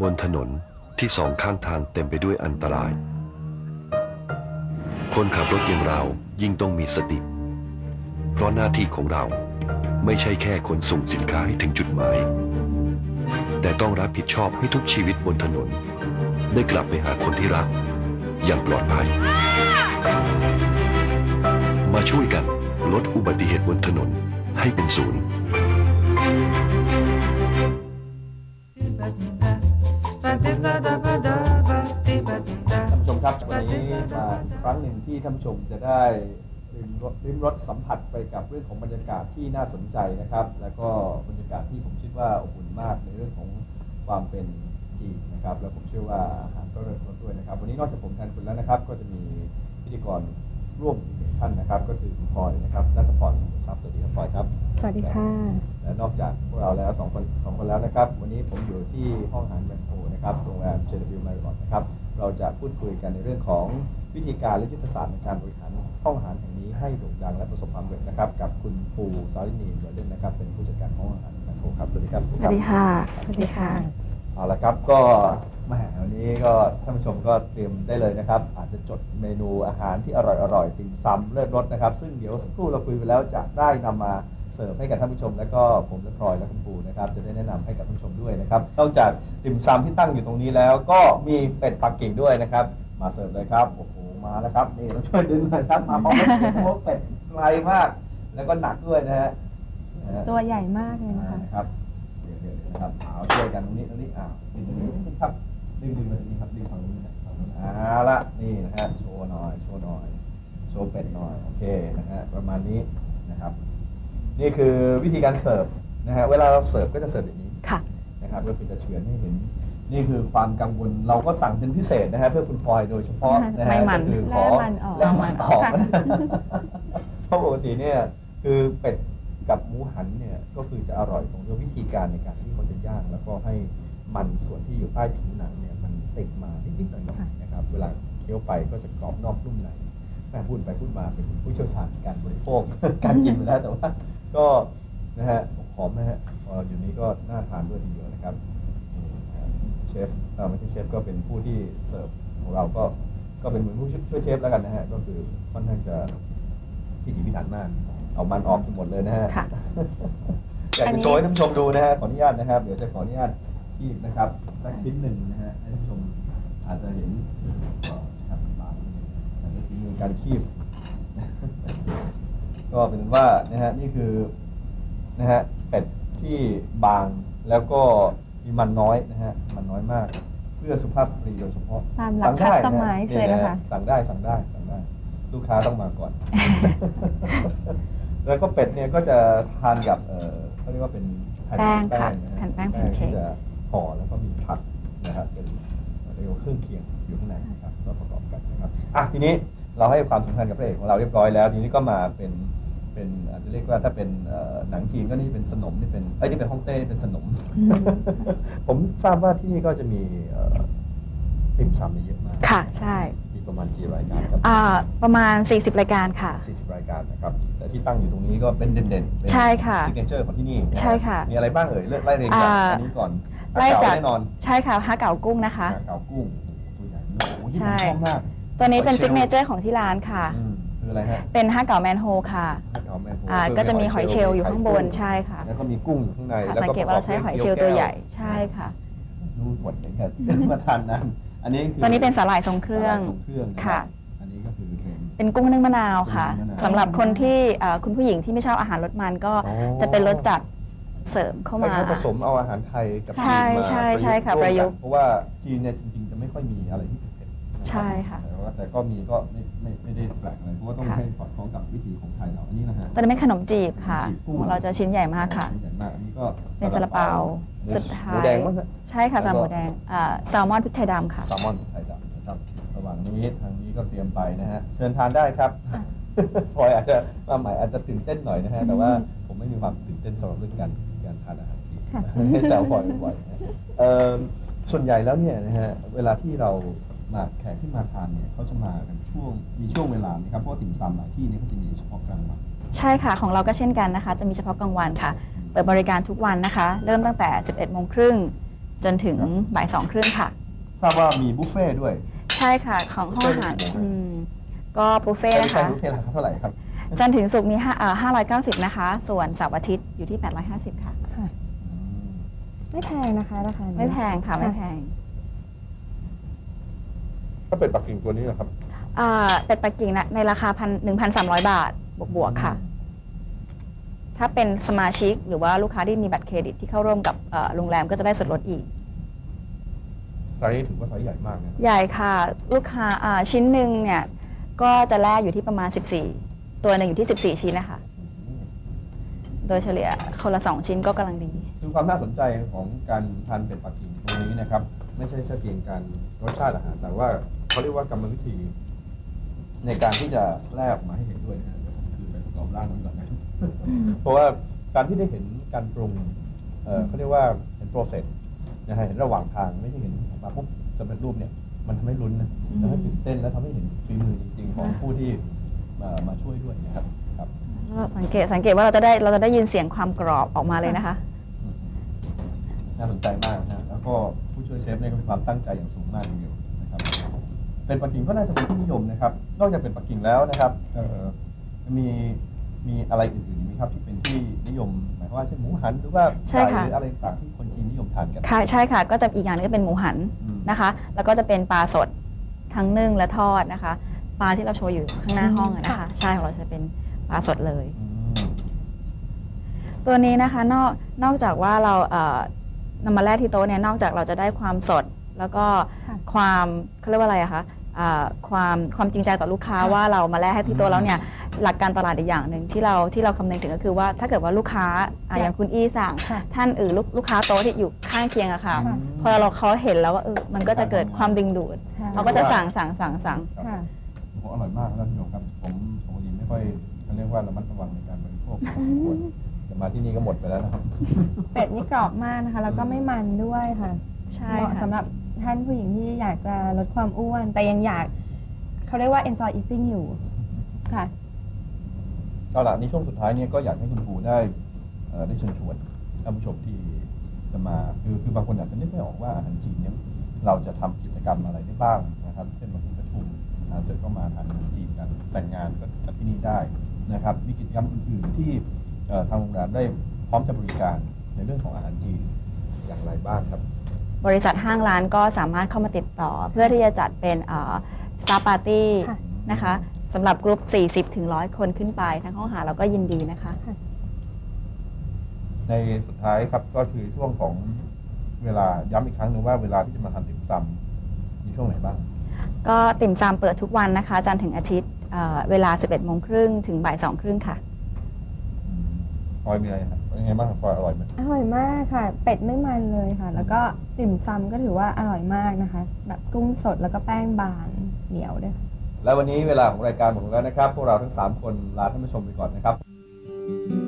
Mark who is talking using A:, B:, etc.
A: บนถนนที่สองข้างทางเต็มไปด้วยอันตราย คนขับรถอย่างเรายิ่งต้องมีสติ เพราะหน้าที่ของเราไม่ใช่แค่ขนส่งสินค้าให้ถึงจุดหมาย แต่ต้องรับผิดชอบให้ทุกชีวิตบนถนนได้กลับไปหาคนที่รักอย่างปลอดภัย มาช่วยกันลดอุบัติเหตุบนถนนให้เป็นศูนย์
B: ท่านผู้ชมครับวันนี้มาอีกครั้งหนึ่งที่ท่านผู้ชมจะได้ลิ้มรสสัมผัสไปกับเรื่องของบรรยากาศที่น่าสนใจนะครับแล้วก็บรรยากาศที่ผมคิดว่าอบอุ่นมากในเรื่องของความเป็นจีนนะครับแล้วผมเชื่อว่าอาหารก็เริ่มต้นด้วยนะครับวันนี้นอกจากผมแทนคุณแล้วนะครับก็จะมีพิธีกรร่วมอีกหนึ่งท่านนะครับก็คือคุณพลอยนะครับณัฐพร สมุทรทรัพย์สวัสดีครับพลอยครับ
C: สวัสดีค่ะ
B: และนอกจากพวกเราแล้วสองคนแล้วนะครับวันนี้ผมอยู่ที่ห้องอาหารแมนโทนะครับโรงแรม JW Marriott นะครับเราจะพูดคุยกันในเรื่องของวิธีการและยุทธศาสตร์ในการบริหารห้องอาหารแห่งนี้ให้โด่งดังและประสบความสำเร็จนะครับกับคุณปูสารินีเดลเดนนะครับเป็นผู้จัดการห้องอาหารแมนโทครับสวัสดีครับ
C: สวัสดีค่ะสวัสดีค่ะ
B: เอาละครับก็มาวันนี้ก็ท่านผู้ชมก็เตรียมได้เลยนะครับอาจจะจดเมนูอาหารที่อร่อยติ่มซำเลิศรสนะครับซึ่งเดี๋ยวสักครู่เราคุยไปแล้วจะได้นำมาเสิร์ฟให้กับท่านผู้ชมและก็ผมและพลอยและคุณปูนะครับจะได้แนะนำให้กับท่านผู้ชมด้วยนะครับนอกจากติ่มซำที่ตั้งอยู่ตรงนี้แล้วก็มีเป็ดปักกิ่งด้วยนะครับมาเสิร์ฟเลยครับโอ้โหมาแล้วครับนี่ต้องช่วยดึงหน่อยครับมาพร้อมกับเป็ดไกลมากแล้วก็หนักด้วยนะฮะ
C: ตัวใหญ่มากเลยนะคะ
B: ครับเดี๋ยวนะครับเอาช่วยกันตรงนี้ดึงตรงนี้นิดครับดึงมาตรงนี้ครับดึงฝั่งนี้นะละนี่นะฮะโชว์หน่อยโชว์เป็ดหน่อยโอเคนะฮะประมาณนี้นะครับนี่คือวิธีการเสิร์ฟนะฮะเวลาเราเสิร์ฟก็จะเสิร์ฟอย่างนี้นะครับก็คือจะเฉือนให้เห็นนี่คือความกังวลเราก็สั่งเป็นพิเศษนะฮะเพื่อคุณพลอยโดยเฉพาะนะฮะก็คือขอแล้วมันออกเพราะปกติเนี่ยคือเป็ดกับหมูหันเนี่ยก็คือจะอร่อยตรงที่วิธีการในการที่เขาจะย่างแล้วก็ให้มันส่วนที่อยู่ใต้ผิวหนังเนี่ยมันติดมานิดๆหน่อยๆนะครับเวลาเคี้ยวไปก็จะกรอบนอกนุ่มในแม่พูดไปพูดมาเป็นผู้เชี่ยวชาญการบริโภค การกินไปแล้วแต่ว่าก็นะฮะหอมนะฮะอยู่นี้ก็น่าทานด้วยทีเดียวนะครับเชฟไม่ใช่เชฟก็เป็นผู้ที่เสิร์ฟของเราก็เป็นเหมือนผู้ช่วยเชฟแล้วกันนะฮะก็คือค่อนข้างจะพิถีพิถันมากเอามันออกทั้งหมดเลยนะฮะอยากจะโชว์ให้ท่านผู้ชมดูนะฮะขออนุญาตนะครับเดี๋ยวจะขออนุญาตคีบนะครับสักชิ้นหนึ่งนะฮะให้ท่านผู้ชมอาจจะเห็นนะครับบางแต่ในฝีมือการคีบก็เป็นว่านะฮะนี่คือนะฮะเป็ดที่บางแล้วก็มีมันน้อยนะฮะมันน้อยมากเพื่อสุภาพสตรีโดยเฉพาะ
C: ตามหลักคัสตอมไมซ์เลยนะคะ
B: สั่งได้ลูกค้าต้องมาก่อน แล้วก็เป็ดเนี่ยก็จะทานกับเขาเรียกว่าเป็น
C: แป้งค่ะแผ่นแป้งแพนเค้ก
B: จะห่อแล้วก็มีผักนะครับเป็นเรียกว่าเครื่องเคียงอยู่ข้างในนะครับก็ประกอบกันนะครับทีนี้เราให้ความสำคัญกับพระเอกของเราเรียบร้อยแล้วทีนี้ก็มาเป็นอาจจะเรียกว่าถ้าเป็นหนังจีนก็นี่เป็นสนมนี่เป็นนี่เป็นฮ่องเต้เป็นสนม ผมทราบว่าที่นี่ก็จะมีติ่มซำเยอะมาก
C: ค่ะใช่
B: มีประมาณกี่รายการครับ
C: ประมาณ40รายการค่ะ
B: 40รายการนะครับแต่ที่ตั้งอยู่ตรงนี้ก็เป็นเด่นๆ
C: ใช่ค่ะ
B: ซิกเนเจอร์ของที่นี่
C: ใช่ค่ะ
B: มีอะไรบ้างเอ่ยไล่เรียงจากอันนี้ก่อน
C: ไล่จาก
B: แน่นอน
C: ใช่ค่ะฮะเก๋ากุ้งนะคะ
B: ฮะเก๋ากุ้งตัวใหญ่โอ้โหที่ผมชอบมาก
C: ตัวนี้เป็นซิกเนเจอร์ของที่ร้านค่ะ
B: คืออะไรฮะ
C: เป็นฮะเก๋าแมนโฮค่ะ
B: ฮะเก๋าแมนโฮ
C: ก็จะมีหอยเชลล์อยู่ข้างบนใช่ค่ะ
B: แล้วก็มีกุ้งอยู่ข้างใน
C: สังเกตว่าเราใช้หอยเชลล์ตัวใหญ่ใช่ค่ะ
B: ดูหมดเลยครับมาทานนั้นอันนี้
C: ตัวนี้เป็นสาหร่ายทรงเครื่องค่ะ
B: อันนี้ก็คือ
C: เป็นกุ้งนึ่งมะนาวค่ะสำหรับคนที่คุณผู้หญิงที่ไม่ชอบอาหารรสมันก็จะเป็นรสจัดเสริมเข้ามา
B: ผสมเอาอาหารไทยกับจีนมา
C: ใช่ค่ะประยุกต์
B: เพราะว่าจีนเนี่ยจริงๆจะไม่ค่อยมีอะไรที่เผ็ด
C: ใช่ค่ะ
B: แต่ก็มีก็ไม่ได้แปลกอะไรเพราะว่าต้องให้สอดคล้องกับวิถีของไทยเราอันนี้นะฮะ
C: ตอนนี้เป็นขนมจีบค่ะของเราจะชิ้นใหญ่มากค่ะ
B: ชิ้นใหญ่มากอันนี้ก็
C: เป็นซาลาเปาสุดท้าย
B: หมูแดงมั้ง
C: ใช่ค่ะซาลาหมูแดงแซลมอนพริกไทยดำค่ะ
B: แซลมอนพริกไทยดำนะครับระหว่างนี้ทางนี้ก็เตรียมไปนะฮะเชิญทานได้ครับพลอยอาจจะมาใหม่อาจจะตื่นเต้นหน่อยนะฮะแต่ว่าผมไม่มีความตื่นเต้นสำหรับเรื่องการทานอาหารจีนให้แซวพลอยบ่อยส่วนใหญ่แล้วเนี่ยนะฮะเวลาที่เรามาแขกที่มาทานเนี่ยเขาจะมากันมีช่วงเวลาไหมครับเพราะติ่มซำหลายที่นี่เขาจะมีเฉพาะกลางวัน
C: ใช่ค่ะของเราก็เช่นกันนะคะจะมีเฉพาะกลางวันค่ะเปิดบริการทุกวันนะคะเริ่มตั้งแต่ 11:30 น. จนถึงบ่าย 2:30 ค่ะ
B: ทราบว่ามีบุฟเฟ่ต์ด้วย
C: ใช่ค่ะของห้องอาหาร
B: บุฟเฟ่ต์กี่โมง
C: ก็บุฟเฟ่ต์นะ
B: ใช่
C: คะ
B: บุฟเฟ่ต์ราคาเท่าไหร่ครับ
C: จันทร์ถึงศุกร์มี590 นะคะ ส่วนเสาร์อาทิตย์อยู่ที่ 850 ค่ะ
D: ค่ะ ไม่แพงนะคะราคานี้
C: ไม่แพงค่ะ ไม่แพง
B: ก็เป็นปักกิ่งตัวนี้นะครับ
C: เป็ดปักกิ่งนะในราคา1,300 บาทบวกๆค่ะ ถ้าเป็นสมาชิกหรือว่าลูกค้าที่มีบัตรเครดิตที่เข้าร่วมกับโรงแรมก็จะได้ส่วนลดอีก
B: ไซส์นี้ถือว่าไซส์ใหญ่มากนะ
C: ใหญ่ค่ะ ลูกค้าชิ้นหนึ่งเนี่ยก็จะแลกอยู่ที่ประมาณ 14 ตัวหนึ่งอยู่ที่ 14 ชิ้นนะคะ โดยเฉลี่ยคนละ 2 ชิ้นก็กำลังดี
B: คือความน่าสนใจของการทานเป็ดปักกิ่งตรงนี้นะครับ ไม่ใช่แค่เพียงการรสชาติอาหารแต่ว่าเขาเรียกว่ากรรมวิธี ในการที่จะแลกออกมาให้เห็นด้วยนะฮะเดี๋ยวผมคือไปประกอบร่างมันก่อนนะเพราะว่าการที่ได้เห็นการปรุงเขาเรียกว่าเห็นโปรเซสนะฮะเห็นระหว่างทางไม่ใช่เห็นออกมาปุ๊บสำเร็จรูปเนี่ยมันทำให้ลุ้นนะทำให้ตื่นเต้นและทำให้เห็นฝีมือจริง ๆ ของผู้ที่มาช่วยด้วยนะครับครับ
C: เราสังเกตว่าเราจะได้ยินเสียงความกรอบออกมาเลยนะคะ
B: น่าสนใจมากนะแล้วก็ผู้ช่วยเชฟเนี่ยก็มีความตั้งใจอย่างสูงมากทีเดียวนะครับ เป็นปักกิ่งก็น่าจะเป็นที่นิยมนะครับ นอกจากเป็นปักกิ่งแล้วนะครับมีอะไรอื่นๆอีกไหมครับที่เป็นที่นิยมหมายความว่าเช่นหมูหันหรือว่า
C: ใช่
B: ไก่
C: ค่ะ
B: หรืออะไรต่างๆที่คนจีนนิยมทานกัน
C: ค่ะใช่ค่ะ ก็จะอีกอย่างหนึงก็เป็นหมูหัน
B: อืม
C: นะคะ แล้วก็จะเป็นปลาสดทั้งนึ่งและทอดนะคะ ปลาที่เราโชว์อยู่ข้างหน้าห้องอะนะคะ ใช่ของเราจะเป็นปลาสดเลย
B: อืม
C: ตัวนี้นะคะนอกจากว่าเรานำมาแลกที่โต๊ะเนี่ยนอกจากเราจะได้ความสด แล้วก็ความเขาเรียกว่าอะไรอะคะความจริงใจต่อลูกค้าว่าเรามาแลกให้ที่โต๊ะแล้วเนี่ยหลักการตลาดอีกอย่างหนึ่งที่เราคำนึงถึงก็คือว่าถ้าเกิดว่าลูกค้าอย่างคุณอี้สั่ง
D: ค่ะ
C: ท่านลูกค้าโต๊ะที่อยู่ข้างเคียงอะค่ะ
D: ค่ะ
C: พอเขาเห็นแล้วว่ามันก็จะเกิดความดึงดูด
D: ใช่
C: เขาก็จะสั่ง
D: ค่ะ
B: โอ้อร่อยมากนะท่านผู้ชมครับ ผมปกติไม่ค่อยเขาเรียกว่าระมัดระวังในการบริโภคพอสมควรแต่มาที่นี่ก็หมดไปแล้วนะครับ
D: เป็ดนี่กรอบมากนะคะ แล้วก็ไม่มันด้วยค่ะ
C: ใช่
D: เหมาะ
C: ค่ะ
D: สำหรับท่านผู้หญิงที่อยากจะลดความอ้วน แต่ยังอยากเขาเรียกว่า enjoy eating อยู่ค่ะ
B: เอาล่ะในช่วงสุดท้ายเนี่ยก็อยากให้คุณครูได้ได้เชิญชวนท่านผู้ชมที่จะมาคือบางคนอาจจะนึกไม่ออกว่าอาหารจีนเนี่ยเราจะทำกิจกรรมอะไรได้บ้างนะครับเช่นบางทีประชุมเสร็จก็มาทานอาหารจีนกันแต่งงานก็จัดที่นี่ได้นะครับมีกิจกรรมอื่นๆที่ทางโรงแรมได้พร้อมจะบริการในเรื่องของอาหารจีนอย่างไรบ้างครับ
C: บริษัทห้างร้านก็สามารถเข้ามาติดต่อ เพื่อที่จะจัดเป็นStar Party
D: ค่ะ
C: นะคะสำหรับกลุ่ม40 ถึง 100 คนขึ้นไปทั้งห้องอาหารเราก็ยินดีนะคะ
B: ในสุดท้ายครับก็คือช่วงของเวลาย้ำอีกครั้งหนึงว่าเวลาที่จะมาทานติ่มซำมีช่วงไหนบ้าง
C: ก็ติ่มซำเปิดทุกวันนะคะจันทร์ถึงอาทิตย์เวลา 11:30 ถึงบ่าย 2:30 ค่ะ
B: พลอยมีอะไรครับเป็นยังไงบ้างครับพลอยอร่อยไหม
D: อร่อยมากค่ะ เป็ดไม่มันเลยค่ะ แล้วก็ติ่มซำก็ถือว่าอร่อยมากนะคะ แบบกุ้งสดแล้วก็แป้งบางเหนียวด้วยค่ะ
B: และวันนี้เวลาของรายการหมดแล้วนะครับ พวกเราทั้ง 3 คนลาท่านผู้ชมไปก่อนนะครับ